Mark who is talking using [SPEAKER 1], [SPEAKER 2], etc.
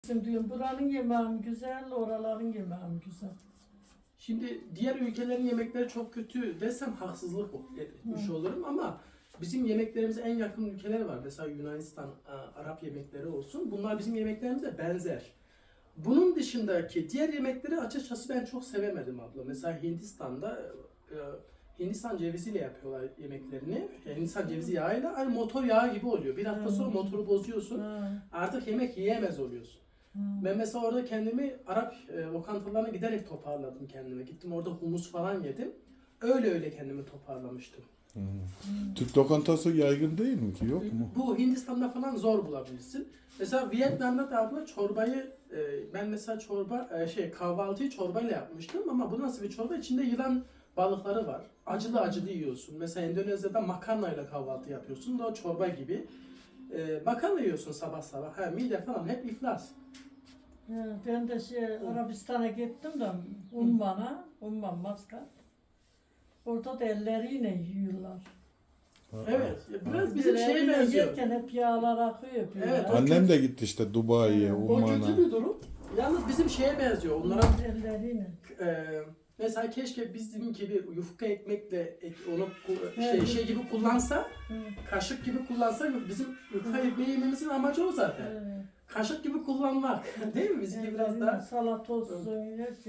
[SPEAKER 1] Diyorum buranın yemeği mi güzel, oraların yemeği mi güzel?
[SPEAKER 2] Şimdi diğer ülkelerin yemekleri çok kötü desem haksızlık etmiş olurum ama bizim yemeklerimize en yakın ülkeler var. Mesela Yunanistan, Arap yemekleri olsun. Bunlar bizim yemeklerimize benzer. Bunun dışındaki diğer yemekleri açıkçası ben çok sevemedim abla. Mesela Hindistan'da Hindistan ceviziyle yapıyorlar yemeklerini. Yani Hindistan cevizi yağıyla aynı motor yağı gibi oluyor. Bir hafta sonra motoru bozuyorsun. Artık yemek yiyemez oluyorsun. Ben mesela orada kendimi Arap lokantalarına giderek toparladım kendime. Gittim orada humus falan yedim. Öyle kendimi toparlamıştım.
[SPEAKER 3] Türk lokantası yaygın değil mi ki? Yok mu?
[SPEAKER 2] Bu Hindistan'da falan zor bulabilirsin. Mesela Vietnam'da da abla çorbayı ben mesela kahvaltıyı çorbayla yapmıştım ama bu nasıl bir çorba? İçinde yılan balıkları var. Acılı acılı yiyorsun. Mesela Endonezya'da makarnayla kahvaltı yapıyorsun. Da o çorba gibi. Makarna yiyorsun sabah sabah. Mide falan hep iflas.
[SPEAKER 1] Ben de Arabistan'a gittim de Umman, Maskat. Orada da elleriyle yiyorlar.
[SPEAKER 2] Evet. Biraz bizim şeye
[SPEAKER 1] Elleriyle
[SPEAKER 2] benziyor.
[SPEAKER 1] yerken hep yağlar akıyor. Böyle.
[SPEAKER 2] Evet,
[SPEAKER 3] Annem de gitti işte Dubai'ye,
[SPEAKER 2] O
[SPEAKER 3] Umman'a.
[SPEAKER 2] kötü bir durum. Yalnız bizim şeye benziyor. Onlara
[SPEAKER 1] Elleriyle.
[SPEAKER 2] mesela keşke bizim gibi yufka ekmekle onu
[SPEAKER 1] Evet.
[SPEAKER 2] şey gibi kullansa,
[SPEAKER 1] Evet.
[SPEAKER 2] kaşık gibi kullansa bizim yufka ekmeği yememizin amacı o zaten.
[SPEAKER 1] Evet.
[SPEAKER 2] Kaşık gibi kullanmak. Değil mi? Bizimki biraz daha
[SPEAKER 1] Salata olsun.